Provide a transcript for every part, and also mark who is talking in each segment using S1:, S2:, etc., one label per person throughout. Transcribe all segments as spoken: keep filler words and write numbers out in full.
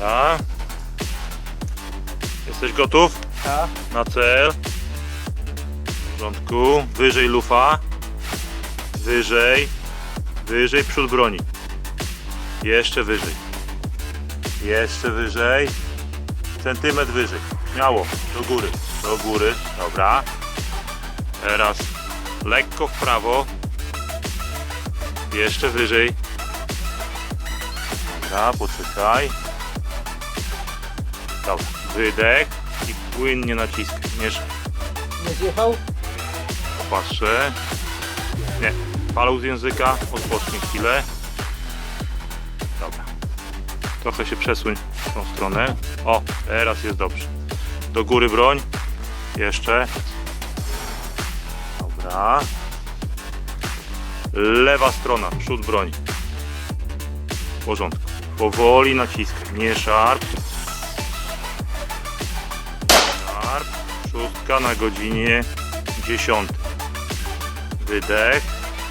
S1: Dobra. Jesteś gotów?
S2: Tak.
S1: Na cel. W porządku. Wyżej lufa. Wyżej. Wyżej przód broni. Jeszcze wyżej. Jeszcze wyżej. Centymetr wyżej. Śmiało. Do góry. Do góry. Dobra. Teraz lekko w prawo. Jeszcze wyżej. Dobra, poczekaj. Dobra. Wydech i płynnie naciskaj. Mieszaj.
S2: Nie zjechał?
S1: Patrzę. Nie. Palą z języka. Odpocznij chwilę. Dobra. Trochę się przesuń w tą stronę. O, teraz jest dobrze. Do góry broń. Jeszcze. Dobra. Lewa strona. Przód broni. W porządku. Powoli naciskaj. Nie szarp. Szarp. Szóstka na godzinie dziesiątej. Wydech.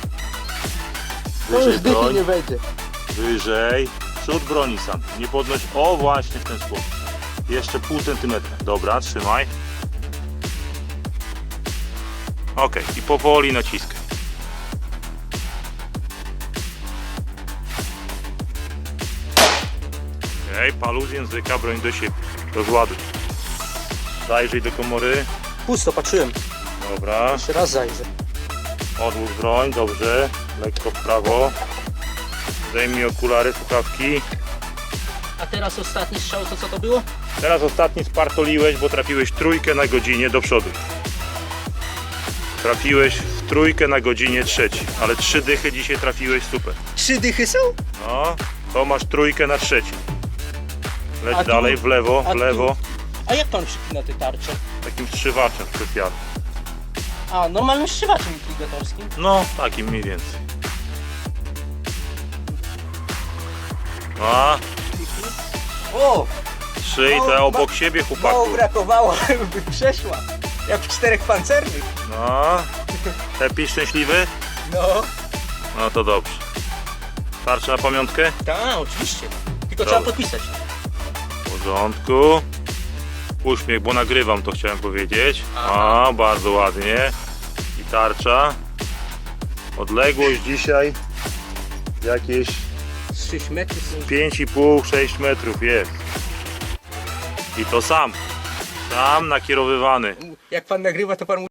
S2: To już
S1: Wyżej
S2: dychy
S1: broń.
S2: nie wejdzie.
S1: Wyżej. Przód broni sam. Nie podnoś. O, właśnie w ten sposób. Jeszcze pół centymetra. Dobra, trzymaj. Ok. I powoli naciskaj. Ok. Palu z języka, broń do siebie. Rozładuj. Zajrzyj do komory.
S2: Pusto, patrzyłem.
S1: Dobra.
S2: Jeszcze raz zajrzę.
S1: Odłóż broń, dobrze. Lekko w prawo. Zdejmij okulary, słuchawki.
S2: A teraz ostatni strzał, to co to było?
S1: Teraz ostatni spartoliłeś, bo trafiłeś trójkę na godzinie do przodu. Trafiłeś w trójkę na godzinie trzeciej, ale trzy dychy dzisiaj trafiłeś, super.
S2: Trzy dychy są?
S1: No, to masz trójkę na trzeciej. Leć
S2: A tu-
S1: dalej, w lewo,
S2: a
S1: w
S2: tu-
S1: lewo.
S2: A jak pan przypina te tarcze?
S1: Takim strzywaczem specjalnym.
S2: A, normalnym strzywaczem intligatorskim.
S1: No, takim mniej więcej. A,
S2: O!
S1: trzy i
S2: Mało-
S1: te obok
S2: ma-
S1: siebie,
S2: Mało
S1: chłopaku.
S2: brakowało, by przeszła. Jak w czterech pancernych.
S1: No, happy, szczęśliwy?
S2: No.
S1: No to dobrze. Tarczy na pamiątkę?
S2: Tak, oczywiście. Tylko
S1: Dobra.
S2: trzeba podpisać.
S1: W porządku. Uśmiech, bo nagrywam, to chciałem powiedzieć.
S2: Aha.
S1: A, bardzo ładnie. I tarcza. Odległość dzisiaj jakieś
S2: Z sześć metrów. są-
S1: pięć i pół sześć metrów jest. I to sam. Sam nakierowywany.
S2: Jak pan nagrywa, to pan